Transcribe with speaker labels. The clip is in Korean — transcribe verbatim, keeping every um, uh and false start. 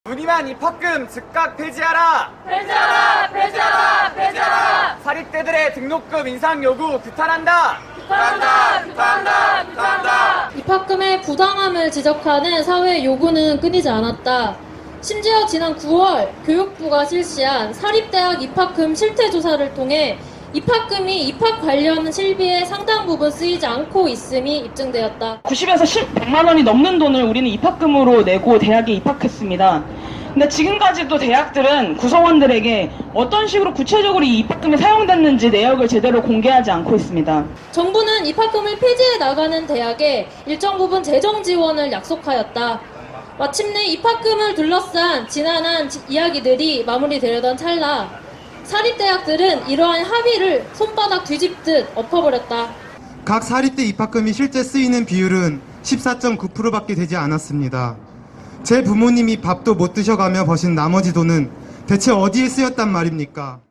Speaker 1: 무리만 입학금 즉각 폐지하라!
Speaker 2: 폐지하라! 폐지하라! 폐지하라!
Speaker 1: 사립대들의 등록금 인상 요구 규탄한다!
Speaker 2: 규탄한다! 규탄한다! 규탄한다!
Speaker 3: 입학금의 부당함을 지적하는 사회 요구는 끊이지 않았다. 심지어 지난 구월 교육부가 실시한 사립대학 입학금 실태조사를 통해 입학금이 입학 관련 실비의 상당 부분 쓰이지 않고 있음이 입증되었다.
Speaker 4: 구십에서 백만 원이 넘는 돈을 우리는 입학금으로 내고 대학에 입학했습니다. 근데 지금까지도 대학들은 구성원들에게 어떤 식으로 구체적으로 이 입학금이 사용됐는지 내역을 제대로 공개하지 않고 있습니다.
Speaker 3: 정부는 입학금을 폐지해 나가는 대학에 일정 부분 재정 지원을 약속하였다. 마침내 입학금을 둘러싼 지난한 이야기들이 마무리되려던 찰나 사립대학들은 이러한 합의를 손바닥 뒤집듯 엎어버렸다.
Speaker 5: 각 사립대 입학금이 실제 쓰이는 비율은 십사 점 구 퍼센트밖에 되지 않았습니다. 제 부모님이 밥도 못 드셔가며 버신 나머지 돈은 대체 어디에 쓰였단 말입니까?